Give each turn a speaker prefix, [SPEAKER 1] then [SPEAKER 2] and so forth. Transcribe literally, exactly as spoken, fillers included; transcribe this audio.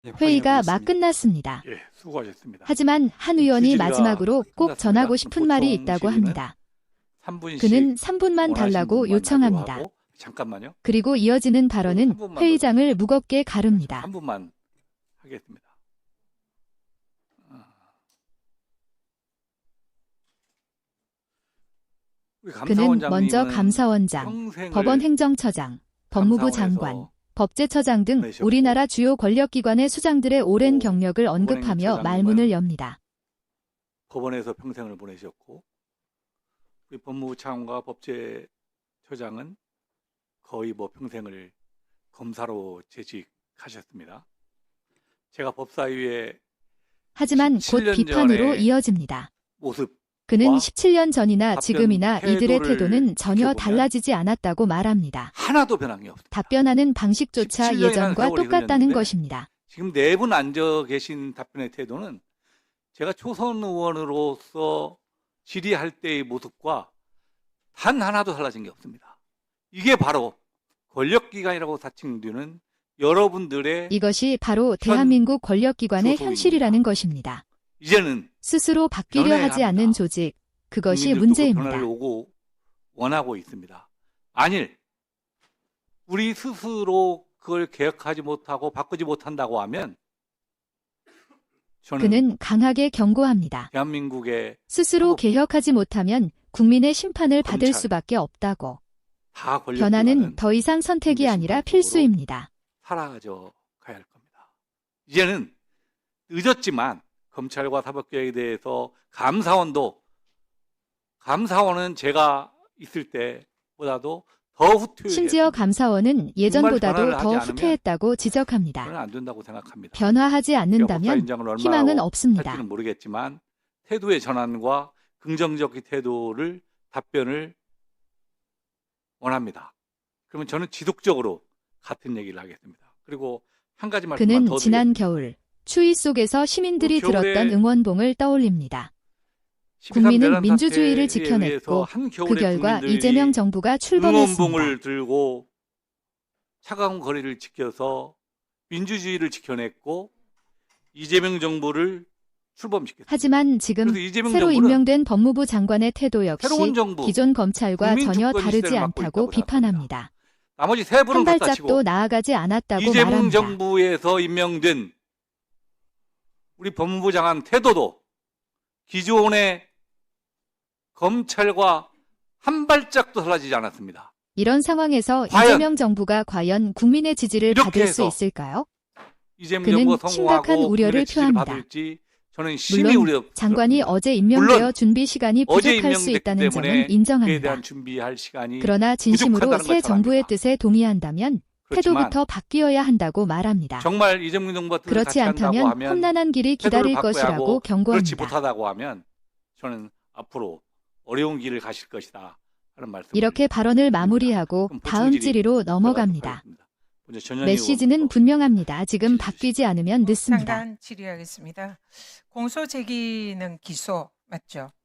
[SPEAKER 1] 네,
[SPEAKER 2] 회의가 막
[SPEAKER 1] 확인해보겠습니다.
[SPEAKER 2] 끝났습니다.
[SPEAKER 1] 예, 수고하셨습니다.
[SPEAKER 2] 하지만 한 의원이
[SPEAKER 1] 주질의가
[SPEAKER 2] 마지막으로 꼭
[SPEAKER 1] 끝났습니다.
[SPEAKER 2] 전하고 싶은 말이
[SPEAKER 1] 보통
[SPEAKER 2] 있다고
[SPEAKER 1] 질의는
[SPEAKER 2] 합니다.
[SPEAKER 1] 삼 분씩
[SPEAKER 2] 그는 삼 분만
[SPEAKER 1] 원하시는
[SPEAKER 2] 달라고
[SPEAKER 1] 분만
[SPEAKER 2] 요청합니다.
[SPEAKER 1] 발표하고, 잠깐만요.
[SPEAKER 2] 그리고 이어지는
[SPEAKER 1] 그
[SPEAKER 2] 발언은
[SPEAKER 1] 삼 분만
[SPEAKER 2] 회의장을 무겁게 가릅니다.
[SPEAKER 1] 삼 분만 하겠습니다. 아. 우리
[SPEAKER 2] 그는
[SPEAKER 1] 감사원장님은
[SPEAKER 2] 먼저 감사원장,
[SPEAKER 1] 평생을
[SPEAKER 2] 법원 행정처장, 법무부 장관,
[SPEAKER 1] 감사원에서
[SPEAKER 2] 법제처장 등
[SPEAKER 1] 보내셨고,
[SPEAKER 2] 우리나라 주요 권력기관의 수장들의 오랜
[SPEAKER 1] 또
[SPEAKER 2] 경력을 언급하며
[SPEAKER 1] 법원행정처장님은
[SPEAKER 2] 말문을 엽니다.
[SPEAKER 1] 법원에서 평생을 보내셨고, 우리 법무부 차관과 법제처장은 거의 뭐 평생을 검사로 재직하셨습니다. 제가 법사위에
[SPEAKER 2] 하지만 곧
[SPEAKER 1] 십칠 년
[SPEAKER 2] 비판으로
[SPEAKER 1] 전에
[SPEAKER 2] 이어집니다.
[SPEAKER 1] 모습
[SPEAKER 2] 그는 십칠 년 전이나
[SPEAKER 1] 답변
[SPEAKER 2] 지금이나 이들의
[SPEAKER 1] 태도를
[SPEAKER 2] 태도는 전혀
[SPEAKER 1] 지켜보면
[SPEAKER 2] 달라지지 않았다고 말합니다.
[SPEAKER 1] 하나도 변한 게 없습니다.
[SPEAKER 2] 답변하는 방식조차
[SPEAKER 1] 십칠 년이라는
[SPEAKER 2] 예전과
[SPEAKER 1] 세월이
[SPEAKER 2] 똑같다는
[SPEAKER 1] 흘렀는데
[SPEAKER 2] 것입니다.
[SPEAKER 1] 지금 네 분 앉아 계신 답변의 태도는 제가 초선 의원으로서 질의할 때의 모습과 단 하나도 달라진 게 없습니다. 이게 바로 권력기관이라고 사칭되는 여러분들의
[SPEAKER 2] 이것이 바로 대한민국 권력기관의
[SPEAKER 1] 소속입니다.
[SPEAKER 2] 현실이라는 것입니다.
[SPEAKER 1] 이제는
[SPEAKER 2] 스스로 바뀌려
[SPEAKER 1] 변해야
[SPEAKER 2] 하지
[SPEAKER 1] 합니다.
[SPEAKER 2] 않는 조직, 그것이
[SPEAKER 1] 국민들도 그
[SPEAKER 2] 문제입니다.
[SPEAKER 1] 변화를 오고 원하고 있습니다. 만일 우리 스스로 그걸 개혁하지 못하고 바꾸지 못한다고 하면 저는
[SPEAKER 2] 그는 강하게 경고합니다.
[SPEAKER 1] 대한민국의
[SPEAKER 2] 스스로
[SPEAKER 1] 사법,
[SPEAKER 2] 개혁하지 못하면 국민의 심판을 받을
[SPEAKER 1] 검찰,
[SPEAKER 2] 수밖에 없다고.
[SPEAKER 1] 다
[SPEAKER 2] 변화는
[SPEAKER 1] 권력기관은
[SPEAKER 2] 더 이상 선택이
[SPEAKER 1] 국민의
[SPEAKER 2] 아니라
[SPEAKER 1] 심판적으로
[SPEAKER 2] 필수입니다.
[SPEAKER 1] 사라져 가야 할 겁니다. 이제는 늦었지만 검찰과 사법개혁에 대해서 감사원도 감사원은 제가 있을 때보다도 더 후퇴했습니다.
[SPEAKER 2] 심지어 감사원은 예전보다도
[SPEAKER 1] 변화를
[SPEAKER 2] 더
[SPEAKER 1] 하지 않으면
[SPEAKER 2] 후퇴했다고 지적합니다.
[SPEAKER 1] 저는 안 된다고 생각합니다.
[SPEAKER 2] 변화하지
[SPEAKER 1] 제가
[SPEAKER 2] 않는다면
[SPEAKER 1] 법사위원장을 얼마나
[SPEAKER 2] 희망은 없습니다.
[SPEAKER 1] 할지는 모르겠지만 태도의 전환과 긍정적인 태도를 답변을 원합니다. 그러면 저는 지속적으로 같은 얘기를 하겠습니다. 그리고 한 가지 말씀만
[SPEAKER 2] 그는
[SPEAKER 1] 더
[SPEAKER 2] 지난
[SPEAKER 1] 드리겠습니다.
[SPEAKER 2] 겨울 추위 속에서 시민들이
[SPEAKER 1] 그 겨울에
[SPEAKER 2] 들었던 응원봉을 떠올립니다.
[SPEAKER 1] 십이삼
[SPEAKER 2] 국민은
[SPEAKER 1] 내란
[SPEAKER 2] 민주주의를
[SPEAKER 1] 사태에
[SPEAKER 2] 지켜냈고
[SPEAKER 1] 의해서
[SPEAKER 2] 그
[SPEAKER 1] 한겨울에
[SPEAKER 2] 결과
[SPEAKER 1] 국민들이
[SPEAKER 2] 이재명 정부가 출범했습니다.
[SPEAKER 1] 응원봉을 들고 차가운 거리를 지켜서 민주주의를 지켜냈고 이재명 정부를 출범시켰습니다.
[SPEAKER 2] 하지만 지금
[SPEAKER 1] 그래서 이재명
[SPEAKER 2] 새로
[SPEAKER 1] 정부는
[SPEAKER 2] 임명된 법무부 장관의 태도 역시
[SPEAKER 1] 새로운 정부,
[SPEAKER 2] 기존 검찰과
[SPEAKER 1] 국민
[SPEAKER 2] 전혀
[SPEAKER 1] 주권
[SPEAKER 2] 다르지
[SPEAKER 1] 시대를 맡고
[SPEAKER 2] 않다고
[SPEAKER 1] 있다고
[SPEAKER 2] 비판합니다.
[SPEAKER 1] 나머지 세 분은
[SPEAKER 2] 한
[SPEAKER 1] 갖다
[SPEAKER 2] 발짝도
[SPEAKER 1] 치고
[SPEAKER 2] 나아가지 않았다고
[SPEAKER 1] 이재명
[SPEAKER 2] 말합니다.
[SPEAKER 1] 정부에서 임명된 우리 법무부 장관 태도도 기존의 검찰과 한 발짝도 달라지지 않았습니다.
[SPEAKER 2] 이런 상황에서
[SPEAKER 1] 과연
[SPEAKER 2] 이재명 정부가 과연 국민의 지지를
[SPEAKER 1] 이렇게
[SPEAKER 2] 받을 수
[SPEAKER 1] 해서
[SPEAKER 2] 있을까요?
[SPEAKER 1] 이재명
[SPEAKER 2] 그는
[SPEAKER 1] 정부가
[SPEAKER 2] 심각한
[SPEAKER 1] 성공하고
[SPEAKER 2] 우려를
[SPEAKER 1] 국민의 지지를
[SPEAKER 2] 표합니다.
[SPEAKER 1] 받을지 저는 심히
[SPEAKER 2] 물론
[SPEAKER 1] 우려.
[SPEAKER 2] 장관이 어제 임명되어
[SPEAKER 1] 물론
[SPEAKER 2] 준비 시간이
[SPEAKER 1] 어제
[SPEAKER 2] 부족할 수
[SPEAKER 1] 임명됐기
[SPEAKER 2] 있다는
[SPEAKER 1] 때문에
[SPEAKER 2] 점은
[SPEAKER 1] 그에
[SPEAKER 2] 인정합니다.
[SPEAKER 1] 대한 준비할 시간이
[SPEAKER 2] 그러나 진심으로
[SPEAKER 1] 부족하다는
[SPEAKER 2] 새
[SPEAKER 1] 걸
[SPEAKER 2] 정부의
[SPEAKER 1] 전합니다.
[SPEAKER 2] 뜻에 동의한다면
[SPEAKER 1] 그렇지만
[SPEAKER 2] 태도부터 바뀌어야 한다고 말합니다.
[SPEAKER 1] 정말 이재명 정부가 뜻을
[SPEAKER 2] 그렇지
[SPEAKER 1] 같이 한다고
[SPEAKER 2] 않다면
[SPEAKER 1] 하면
[SPEAKER 2] 험난한 길이
[SPEAKER 1] 태도를
[SPEAKER 2] 기다릴
[SPEAKER 1] 바꿔야
[SPEAKER 2] 것이라고
[SPEAKER 1] 하고 그렇지
[SPEAKER 2] 경고합니다.
[SPEAKER 1] 못하다고 하면 저는 앞으로 어려운 길을 가실 것이다 하는 말씀.
[SPEAKER 2] 이렇게 발언을 마무리하고
[SPEAKER 1] 그럼
[SPEAKER 2] 다음
[SPEAKER 1] 보충 질의
[SPEAKER 2] 질의로
[SPEAKER 1] 들어가도록
[SPEAKER 2] 넘어갑니다.
[SPEAKER 1] 하겠습니다. 먼저 전현희
[SPEAKER 2] 메시지는
[SPEAKER 1] 의원부터
[SPEAKER 2] 분명합니다. 지금
[SPEAKER 1] 질의
[SPEAKER 2] 바뀌지 않으면 늦습니다.
[SPEAKER 3] 잠깐 질의하겠습니다. 공소 제기는 기소 맞죠?